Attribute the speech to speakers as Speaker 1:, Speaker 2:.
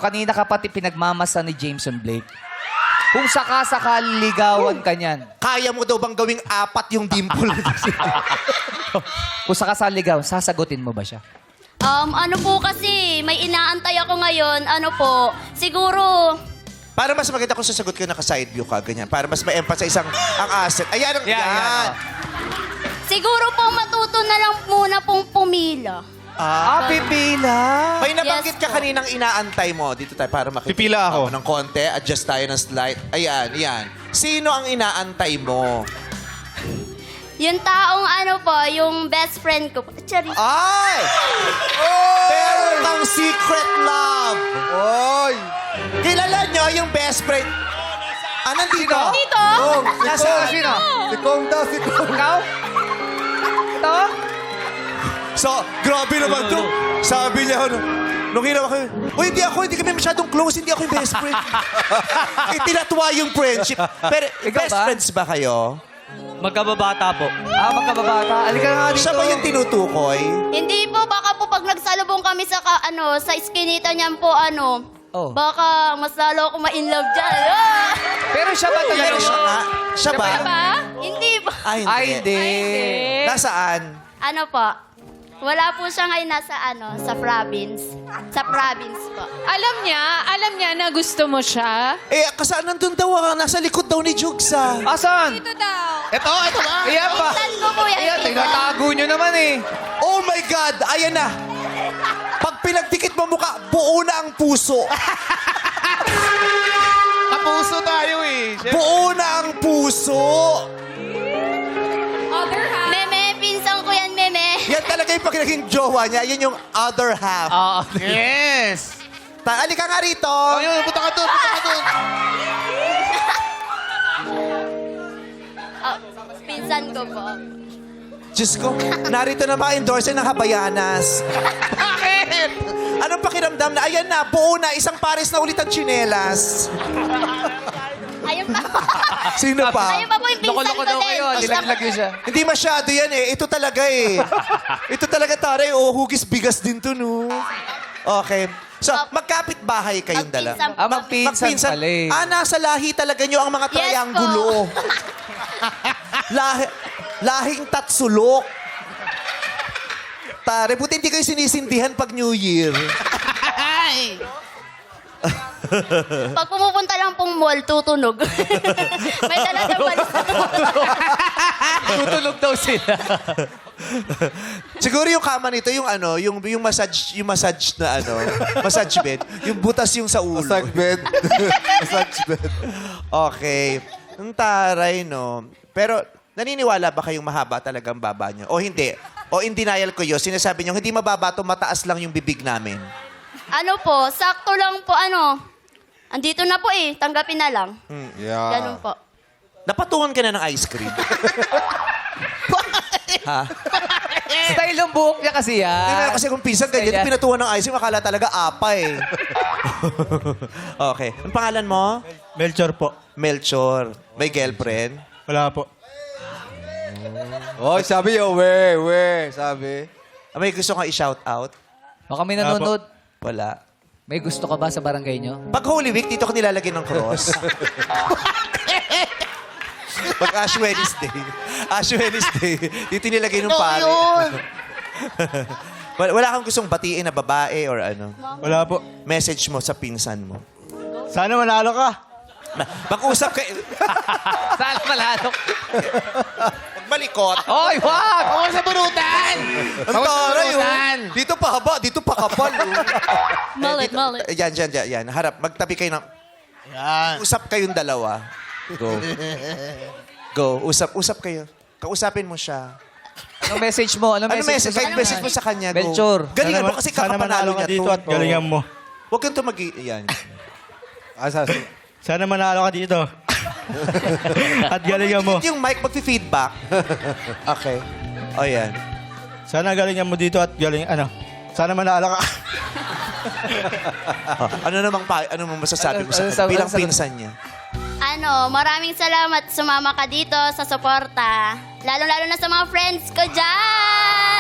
Speaker 1: kanina ka pati pinagmamasa ni Jameson Blake. Kung sakasakali ligawan ka niyan.
Speaker 2: Kaya mo daw bang gawing 4 yung dimple?
Speaker 1: Kung sakasakali ligaw, sasagutin mo ba siya?
Speaker 3: Ano po kasi, may inaantay ako ngayon. Ano po, siguro,
Speaker 2: Para mas maganda kung sasagot ka naka-side view ka, ganyan. Para mas ma-emphasize ang asset. Ayan, yan.
Speaker 3: siguro po matuto na lang muna pong pumila.
Speaker 1: Pipila.
Speaker 2: May nabanggit
Speaker 3: Yes
Speaker 2: ka
Speaker 3: po.
Speaker 2: kaninang inaantay mo. Dito tayo para makita.
Speaker 4: Pipila ako.
Speaker 2: Ng konti. Adjust tayo ng slide. Ayan, yan. Sino ang inaantay mo?
Speaker 3: Yung taong ano po, yung best friend ko po. Charis.
Speaker 2: Ay! Meron kang secret love.
Speaker 4: Oy!
Speaker 2: Kilala nyo yung best friend? Nandito?
Speaker 3: Dito?
Speaker 2: Nasaan?
Speaker 1: Sino?
Speaker 4: Si Kong daw, si Kong.
Speaker 1: Ikaw? Ito?
Speaker 2: So, grabe naman to. Sabi niya, nung hinawa ko, hindi kami masyadong close, hindi ako yung best friend. Itinatwa yung friendship. Pero,
Speaker 1: Ikaw
Speaker 2: best
Speaker 1: ba?
Speaker 2: friends ba kayo?
Speaker 5: Magkababata po.
Speaker 1: Magkababata. Alika na nga dito.
Speaker 2: Siya ba yung tinutukoy?
Speaker 3: Hindi po, baka po pag nagsalubong kami sa, sa iskinita niyan po,
Speaker 1: Oh.
Speaker 3: baka mas lalo ako ma-inlove dyan. Ah!
Speaker 1: Pero siya ba talaga?
Speaker 2: Pero siya nga. Siya ba?
Speaker 3: Diba? Hindi po.
Speaker 1: Ay, hindi.
Speaker 2: Nasaan?
Speaker 3: Ano po? Wala po siya ngayon nasa sa province. Sa province po.
Speaker 6: Alam niya na gusto mo siya.
Speaker 2: Kasi nandun daw, nasa likod daw ni Jugsa.
Speaker 1: Asan?
Speaker 6: Ito daw.
Speaker 4: Ito ba?
Speaker 1: Iyan pa.
Speaker 3: Pinsan ko po yan.
Speaker 1: Ayan,
Speaker 3: pinsan.
Speaker 1: tinatago nyo naman eh.
Speaker 2: Oh my God! Ayan na! Pag pinagdikit mo mukha, buo na ang puso.
Speaker 4: Kapuso tayo eh.
Speaker 2: Buo na ang puso.
Speaker 6: Other half.
Speaker 3: Meme, pinsan ko yan, meme.
Speaker 2: Yan talaga yung pag naging jowa niya. Yan yung other half.
Speaker 4: Yes!
Speaker 2: Alika nga rito.
Speaker 4: Ayun, punta ka doon, punta ka doon.
Speaker 3: Pinsan ko po.
Speaker 2: Diyos ko, narito na mga endorser ng Habayanas.
Speaker 4: Bakit?
Speaker 2: Anong pakiramdam na, ayan na, buo na, isang pares na ulit ang tsinelas.
Speaker 3: Ayun pa.
Speaker 2: Sino pa?
Speaker 3: Ayun pa po yung pinsan ko
Speaker 1: Loko-loko daw
Speaker 3: din.
Speaker 1: kayo. Nilaglag yun siya.
Speaker 2: Hindi masyado yan eh. Ito talaga eh. Ito talaga, taray. Oh, hugis bigas din to, no? Okay. So, magkapit bahay kayong dala.
Speaker 3: Magpinsan po.
Speaker 1: Magpinsan pala eh.
Speaker 2: Nasa lahi talaga nyo ang mga
Speaker 3: Yes
Speaker 2: triangulo. Lahing tatsulok. Tare, buti hindi kayo sinisindihan pag New Year.
Speaker 3: Pag pumupunta lang pong mall, tutunog. May dala na balis.
Speaker 1: Tutulog daw sila.
Speaker 2: Siguro yung kama nito, yung massage na massage bed. Yung butas yung sa ulo.
Speaker 4: Massage bed. Massage bed.
Speaker 2: Okay. Ang taray, no? Pero, naniniwala ba kayong mahaba talagang baba nyo? O hindi? O in denial ko yun, sinasabi nyo, hindi mababa to, mataas lang yung bibig namin.
Speaker 3: Ano po, sakto lang po, andito na po eh, tanggapin na lang.
Speaker 4: Yeah.
Speaker 3: Ganun po.
Speaker 2: Napatungan ka na ng ice cream. Ha?
Speaker 1: Style ng buhok niya kasi yan.
Speaker 2: Hindi na kasi kung pinsan ganyan,
Speaker 1: Ayan.
Speaker 2: pinatuan ng ice cream, akala talaga apa eh. Okay. Ang pangalan mo?
Speaker 5: Melchor po.
Speaker 2: Melchor. May girlfriend?
Speaker 5: Wala po.
Speaker 4: Oy, sabi yo, we, sabi.
Speaker 2: May gusto kang i-shout out?
Speaker 1: Baka may nanonood.
Speaker 2: Wala.
Speaker 1: May gusto ka ba sa barangay nyo?
Speaker 2: Pag Holy Week, dito ka nilalagyan ng cross. Pag Ash Wednesday, dito nilagay ng pare. Wala kang gustong batiin na babae or ano?
Speaker 5: Wala po.
Speaker 2: Message mo sa pinsan mo.
Speaker 5: Sana manalo ka.
Speaker 2: Mag-usap kayo.
Speaker 1: Saan malalo?
Speaker 2: Magmalikot.
Speaker 1: Oy, wag!
Speaker 4: Ako sa bunutan!
Speaker 2: Ang taray, oh. Dito pa haba, dito pa kapal.
Speaker 3: Mullet, mullet.
Speaker 2: Yan. Harap, magtabi kayo ng...
Speaker 4: Yan.
Speaker 2: Usap kayong dalawa. Go. Usap kayo. Kausapin mo siya.
Speaker 1: Anong message mo?
Speaker 2: Ano message? Kahit message mo sa kanya, go.
Speaker 1: Melchor.
Speaker 2: Galingan mo kasi
Speaker 5: Sana manalo
Speaker 2: kakapanalo
Speaker 5: ka
Speaker 2: niya
Speaker 5: dito
Speaker 2: to.
Speaker 5: at galingan mo.
Speaker 2: Huwag kang tumagi... Yan.
Speaker 5: Sana manalo ka dito. At galingan mo.
Speaker 2: Yung mic mag-feedback. Okay. O yan.
Speaker 5: Sana galingan mo dito at sana manalo ka.
Speaker 2: Ano mo masasabi mo sa
Speaker 1: Ano-
Speaker 2: bilang
Speaker 1: ano-
Speaker 2: pinsan niya?
Speaker 3: Maraming salamat sumama ka dito sa suporta. Lalo-lalo na sa mga friends ko dyan.